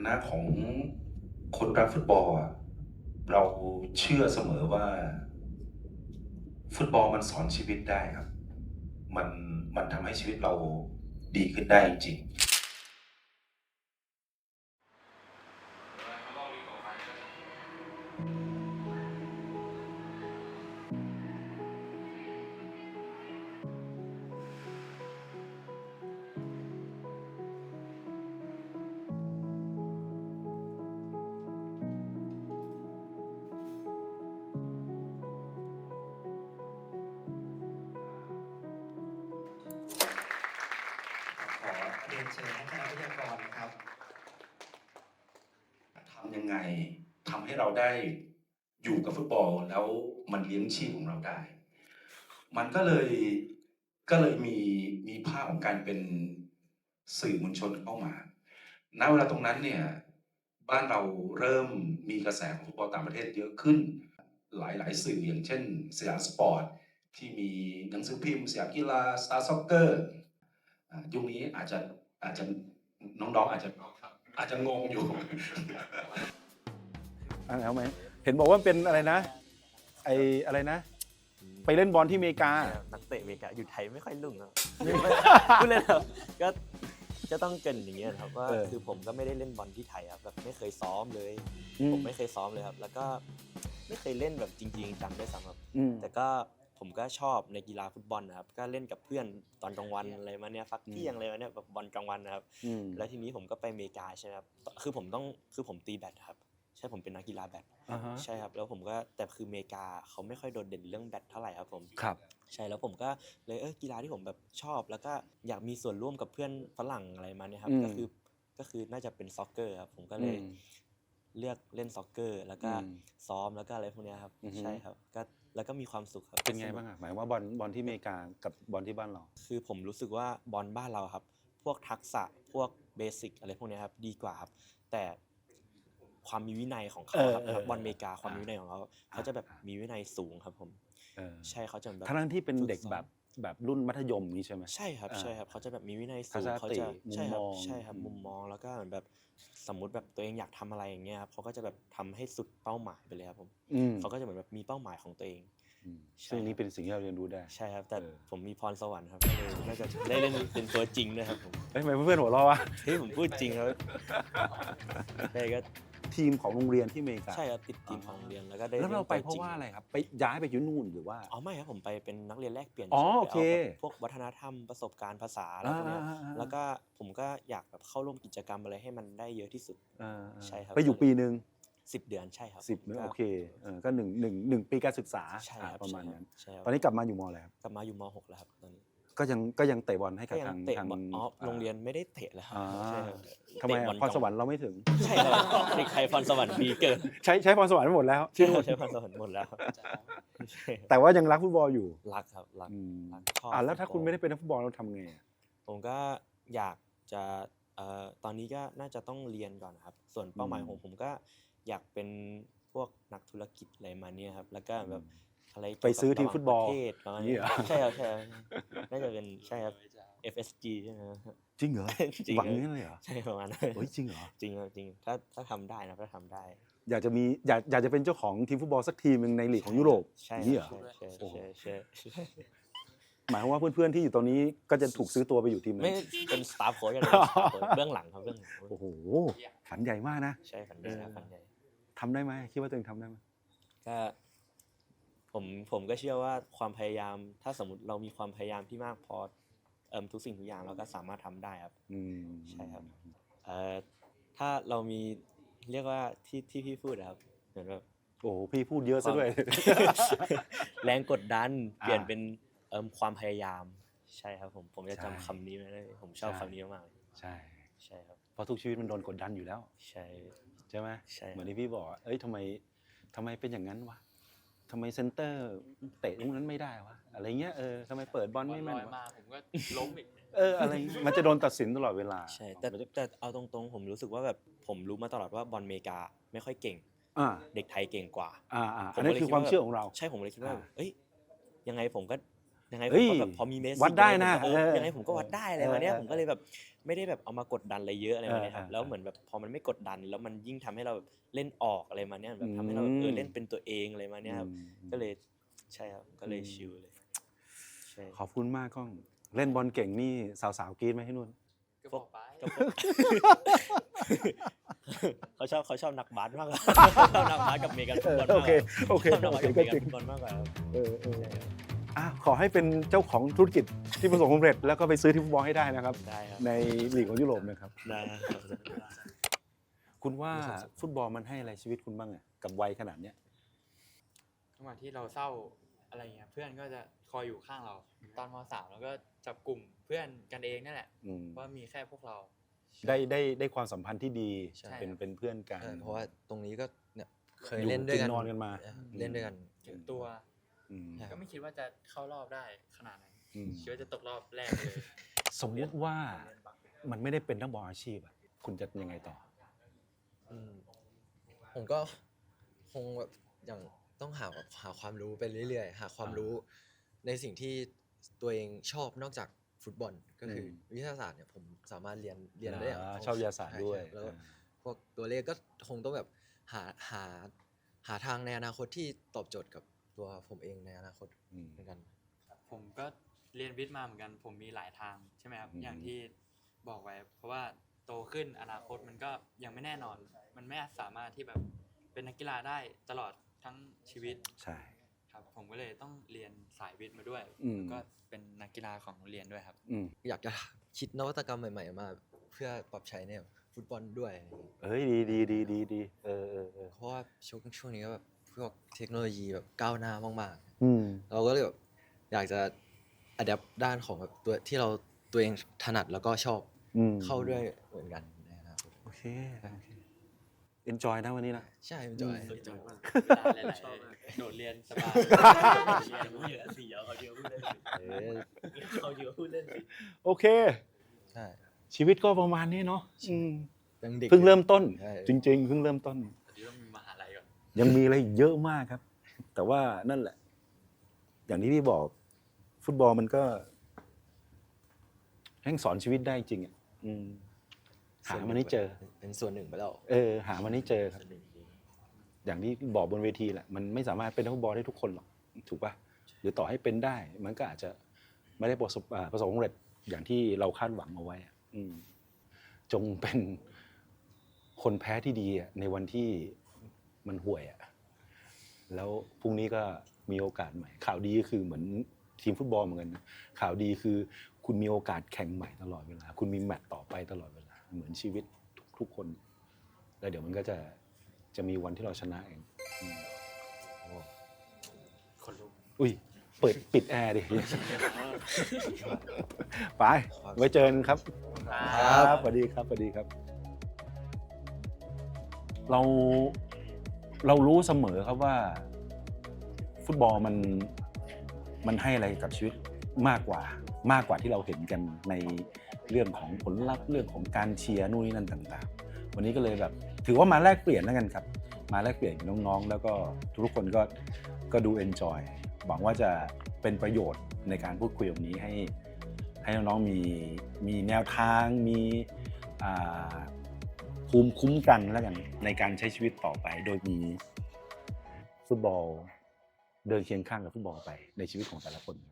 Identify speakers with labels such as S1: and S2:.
S1: นะของคนรักฟุตบอลเราเชื่อเสมอว่าฟุตบอลมันสอนชีวิตได้ครับมันมันทำให้ชีวิตเราดีขึ้นได้จริง
S2: ขอเรียนเชิญท่านคณะวิทยากรครับ
S1: ทำยังไงทำให้เราได้อยู่กับฟุตบอลแล้วมันเลี้ยงชีพของเราได้ มันก็เลยมีภาพของการเป็นสื่อมวลชนเข้ามาณเวลาตรงนั้นเนี่ยบ้านเราเริ่มมีกระแสของฟุตบอลต่างประเทศเยอะขึ้นหลายสื่ออย่างเช่นสยามสปอร์ตที่มีหนังสือพิมพ์สยามกีฬาสตาร์ซ็อกเกอร์ยุคนี้อาจจะน้องๆอาจจะงงอยู่
S3: แล้วไหมเห็นบอกว่าเป็นอะไรนะอะไรนะไปเล่นบอลที่อเมริกา
S4: นักเตะอเมริกาอยู่ไทยไม่ค่อยรุ่งครับพูดเลยครับก็จะต้องเกรินอย่างเงี้ยครับว่าคือผมก็ไม่ได้เล่นบอลที่ไทยครับแบบไม่เคยซ้อมเลยผมไม่เคยซ้อมเลยครับแล้วก็ไม่เคยเล่นแบบจริงๆจังด้วยซ้ำครับแต่ก็ผมก็ชอบในกีฬาฟุตบอลนะครับก็เล่นกับเพื่อนตอนกลางวันอะไรมาเนี้ยฟักเที่ยงอะไรมาเนี้ยแบบบอลกลางวันนะครับแล้วทีนี้ผมก็ไปอเมริกาใช่ไหมครับคือผมตีแบดครับใช่ผมเป็นนักกีฬาแบดใช่ครับแล้วผมก็แต่คืออเมริกาเขาไม่ค่อยโดดเด่นเรื่องแบดเท่าไหร่ครับผม
S3: ครับ
S4: ใช่แล้วผมก็เลยกีฬาที่ผมแบบชอบแล้วก็อยากมีส่วนร่วมกับเพื่อนฝรั่งอะไรมาเนี่ยครับก็คือน่าจะเป็นซ็อกเกอร์ครับผมก็เลยเลือกเล่นซ็อกเกอร์แล้วก็ซ้อมแล้วก็อะไรพวกนี้ครับใช่ครับก็แล้วก็มีความสุขครับ
S3: เป็นไงบ้างหมายว่าบอลที่อเมริกากับบอลที่บ้านเรา
S4: คือผมรู้สึกว่าบอลบ้านเราครับพวกทักษะพวกเบสิกอะไรพวกนี้ครับดีกว่าครับแต่ความมีวินัยของเขาครับบอลอเมริกาความมีวินัยของเขาจะแบบมีวินัยสูงครับผมใช่เขาจะแบบ
S3: ทั้งที่เป็นเด็กแบบรุ่นมัธยมนี้ใช่ไหม
S4: ใช่ครับใช่ครับเขาจะแบบมีวินัยสูงเขาจะใช่ครับมุมมองแล้วก็แบบสมมุติแบบตัวเองอยากทำอะไรอย่างเงี้ยครับเขาก็จะแบบทำให้สุดเป้าหมายไปเลยครับผมเขาก็จะเหมือนแบบมีเป้าหมายของตัวเอง
S3: ซึ่งนี้เป็นสิ่งที่เราเรียนรู้ได้
S4: ใช่ครับแต่ผมมีพรสวรรค์ครับน่าจะได้เล่นเป็นตัวจริงด้วยครับผม
S3: ทำไมเพื่อนหัวเราะวะ
S4: เฮ้ยผมพูดจริงครับใช่ก็
S3: ทีมของโรงเรียนที่อเมริกา
S4: ใช่ครับติดทีมของโรงเรียนแล้วก็ได้
S3: แล้วเราไปเพราะว่าอะไรครับไปย้ายไปอยู่นู่นหรือว่า
S4: ไม่ครับผมไปเป็นนักเรียนแลกเปลี่ยน
S3: โอเค
S4: พวกวัฒนธรรมประสบการณ์ภาษาอะไรพวกนี้แล้วก็ผมก็อยากแบบเข้าร่วมกิจกรรมอะไรให้มันได้เยอะที่สุดใช่ครับ
S3: ไปอยู่ปีนึง
S4: 10 เดือนใช่ครับ
S3: 10โอเคก็1ปีการศึกษาประมาณนั้นตอนนี้กลับมาอยู่ม.อะไรครับ
S4: กลับมาอยู่ม.6แล้วครับตอนนี้
S3: ก็ยังเตะบอลให้กับทาง
S4: โรงเรียนไม่ได้เตะแล้วครับใช่ครับ
S3: ทำไมพรสวรรค์เราไม่ถึง
S4: ใช่ครับเด็กไทยพรสวรรค์ดีเกิน
S3: ใช้พรสวรรค์หมดแล้ว
S4: ใช้พรสวรรค์หมดแล้ว
S3: แต่ว่ายังรักฟุตบอลอยู่
S4: รักครับรัก
S3: แล้วถ้าคุณไม่ได้เป็นนักฟุตบอลเราทำไง
S4: ผมก็อยากจะตอนนี้ก็น่าจะต้องเรียนก่อนครับส่วนเป้าหมายของผมก็อยากเป็นพวกนักธุรกิจอะไรมาเนี่ยครับแล้วก็แบบอะไร
S3: ไปซื้อทีมฟุตบอล
S4: นี่ใช่ครับใช่น่าจะเป็นใช่ครับ FSG ใช่ไหม
S3: จริงเหรอหวังงั้นเลยเหรอ
S4: ใช่ประมาณนั้น
S3: จริงเหรอ
S4: จริงครับจริงถ้าทำได้นะถ้าทำได้
S3: อยากจะเป็นเจ้าของทีมฟุตบอลสักทีมนึงในลีกของยุโรป
S4: นี่เหรอใช่
S3: หมายความว่าเพื่อนๆที่อยู่ตรงนี้ก็จะถูกซื้อตัวไปอยู่ทีมนั้น
S4: ไม่เป็นสตาฟโค้ชกันเบื้องหลังครับเบื้องหลัง
S3: โอ้โหฝันใหญ่มากนะ
S4: ใช่ฝันใหญ่ฝันใหญ่
S3: ทำได้ไหมคิดว่าตัวเองทำได้ไหม
S4: ก็ผมก็เชื่อว่าความพยายามถ้าสมมติเรามีความพยายามที่มากพอทุกสิ่งทุกอย่างเราก็สามารถทำได้ครับใช่ครับถ้าเรามีเรียกว่าที่พี่พูดครับเหมือนแบบ
S3: โอ้พี่พูดเยอะซะด้วย
S4: แรงกดดันเปลี่ยนเป็นความพยายามใช่ครับผมจะจำคำนี้ไว้เลยผมชอบคำนี้มากเลย
S3: ใช่
S4: ครับ
S3: เพราะทุกชีวิตมันโดนกดดันอยู่แล้วใช่ไหมเหมือนที่พี่บอกทำไมเป็นอย่างนั้นวะทำไมเซนเตอร์เตะตรงนั้นไม่ได้วะอะไรเงี้ยทำไมเปิดบอลไม่แม่น
S5: มาผมก็ล้มอีก
S3: อะไรมันจะโดนตัดสินตลอดเวลา
S4: ใช่แต่เอาตรงๆผมรู้สึกว่าแบบผมรู้มาตลอดว่าบอลอเมริกาไม่ค่อยเก่งเด็กไทยเก่งกว่า
S3: อันนั้นคือความเชื่อของเรา
S4: ใช่ผมเลยคิดว่ายังไงผมก็ยังไงผ
S3: เฮ้
S4: ม
S3: ย
S4: ก็แบบพอมีเมสซี่
S3: วัดได้นะ
S4: ยังไงผมก็วัดได้อะไรมาเนี้ย
S3: เออ
S4: ผมก็เลยแบบไม่ได้แบบเอามากดดันอะไรเยอะอะไรมาเนี้ยครับ
S3: เออ
S4: แล้วเหมือนแบบพอมันไม่กดดัน แล้วมันยิ่งทำให้เราแบบเล่นออกอะไรมาเนี้ยแบบทำให้เราแบบเล่นเป็นตัวเองอะไรมาเนี้ยครับก็เลยใช่ครับก็เลยชิลเลยใช่
S3: ขอบคุณมากก้อง เล่นบอลเก่งนี่สาวๆกรี๊ดไหมที่นู่น
S2: ก็บอกไป
S4: เขาชอบนักบาสมากกว่า ชอบนักบาสกับเมกันฟุตบอลมากกว่า
S3: โอเคโอเค
S4: ชอบนักบาสกับ
S3: ก็
S4: เม
S3: จริ
S4: กัน
S3: ง
S4: ฟุตบอลมากกว่าครับ
S3: ขอให้เป็นเจ้าของธุรกิจที่ประสบความสำเร็จแล้วก็ไปซื้อที่ฟุตบอลให้ได้นะครับ
S4: ได้ครับ
S3: ในลีกของยุโรปนะครับ
S4: ได้ครับ
S3: คุณว่าฟุตบอลมันให้อะไรชีวิตคุณบ้างอะกับวัยขนาดเนี้ย
S5: จังหวะที่เราเศร้าอะไรเงี้ยเพื่อนก็จะคอยอยู่ข้างเรา ตอนม.3แล้วก็จับกลุ่มเพื่อนกันเองนั่นแหละ
S3: อืม
S5: ว่ามีแค่พวกเรา
S3: ได้ความสัมพันธ์ที่ดี
S5: ใช่
S3: เป็นเพื่อนกัน
S6: ใช่เพราะว่าตรงนี้ก็เนี่ยเคย
S3: อยู่
S6: เล่นด้วยกัน
S3: กินนอนกันมา
S6: เล่นด้วยกัน
S5: ถึงตัว
S3: อืม
S5: ก็ไม่คิดว่าจะเข้ารอบได้ขนาดนั้น
S3: อืม
S5: คิดว่าจะตกรอบแรกเลย
S3: สมมติว่ามันไม่ได้เป็นนักบอลอาชีพอะคุณจะยังไงต่อ
S6: อืมผมก็คงแบบอย่างต้องหาความรู้ไปเรื่อยๆ หาความรู้ในสิ่งที่ตัวเองชอบนอกจากฟุตบอลก็คือวิทยาศาสตร์เนี่ยผมสามารถเรียนได้อย่าง
S3: ชอบวิทยาศาสตร์ด้วย
S6: ใช่แล้วพวกตัวเลขก็คงต้องแบบหาทางในอนาคตที่ตอบโจทย์กับตัวผมเองในอนาคต
S3: อืม
S6: เหมือนกัน
S5: ผมก็เรียนวิทย์มาเหมือนกัน ผมมีหลายทางใช่ไหมครับ
S3: อืม
S5: อย่างที่บอกไว้ เพราะว่าโตขึ้นอนาคตมันก็ยังไม่แน่นอน มันไม่สามารถที่แบบเป็นนักกีฬาได้ตลอดทั้งชีวิต
S3: ใช่
S5: ครับผมก็เลยต้องเรียนสายวิทย์มาด้วย
S3: อืม
S5: แล้วก็เป็นนักกีฬาของโรงเรียนด้วยครับ
S3: อืม
S6: อยากจะคิดนวัตกรรมใหม่ๆมาเพื่อปรับใช้ในฟุตบอลด้วยอะไรอย่างเงี้ย
S3: เฮ้ยดีเออ
S6: เพราะว่าช่วงนี้ก็แบบพวกเทคโนโลยีแบบก้าวหน้ามาก
S3: อืม
S6: ๆ เราก็เลยแบบอยากจะอัดแอปด้านของแบบตัวที่เราตัวเองถนัดแล้วก็ชอบ
S3: อืม
S6: เข้าด้วยเหมือนกันในอนาคต
S3: โอเค enjoy นะวันนี้นะ
S6: ใช่มันจอย
S5: จอยมากเวลาหลายๆโดดเรียนสบาย
S4: เยอะสิเขาเยอะพูดเล่น
S6: เออ
S4: เขาเยอะพูดเล่นสิ
S3: โอเค
S6: ใช่
S3: ชีวิตก็ประมาณนี้เนาะอืม
S6: ยังเด็ก
S3: เพิ่งเริ่มต้น
S6: ใช่
S3: จริงๆเพิ่งเริ่มต้น
S5: เดี๋ยวต้องมีมหาลัยก่อน
S3: ยังมีอะไรอีกเยอะมากครับ แต่ว่านั่นแหละ อย่างที่พี่บอก ฟุตบอลมันก็แห่งสอนชีวิตได้จริงอ่ะอืมหามันให้เจอ
S6: เป็นส่วนหนึ่งไปแล้ว
S3: หามันให้เจอครับ อย่างที่บอกบนเวทีแหละ มันไม่สามารถเป็นนักฟุตบอลได้ทุกคนหรอก ถูกป่ะ หรือต่อให้เป็นได้ มันก็อาจจะไม่ได้ประสบความสำเร็จอย่างที่เราคาดหวังเอาไว้อะจงเป็นคนแพ้ที่ดีอะในวันที่มันห่วยอะแล้วพรุ่งนี้ก็มีโอกาสใหม่ ข่าวดีก็คือเหมือนทีมฟุตบอลเหมือนกันนะข่าวดีคือคุณมีโอกาสแข่งใหม่ตลอดเวลา คุณมีแมตช์ต่อไปตลอดเวลา เหมือนชีวิตทุกคน แล้วเดี๋ยวมันก็จะมีวันที่เราชนะเอง
S5: คนลุก
S3: อุ้ยปิดแอร์ดิ ไปไว้เจอกันครับ
S6: ครับ
S3: สวัสดีครับสวัสดีครับ เรารู้เสมอครับว่า ฟุตบอลมันให้อะไรกับชีวิตมากกว่าที่เราเห็นกันในเรื่องของผลลัพธ์เรื่องของการเชียร์นู่นนี่นั่นต่างๆ วันนี้ก็เลยแบบ ถือว่ามาแลกเปลี่ยนแล้วกันครับ มาแลกเปลี่ยนกับน้องๆ แล้วก็ทุกคนก็ดูเอนจอยหวังว่าจะเป็นประโยชน์ในการพูดคุยแบบนี้ให้น้องๆมีแนวทางมีภูมิคุ้มกันแล้วกันในการใช้ชีวิตต่อไป โดยมีฟุตบอลเดินเคียงข้างกับฟุตบอลไปในชีวิตของแต่ละคน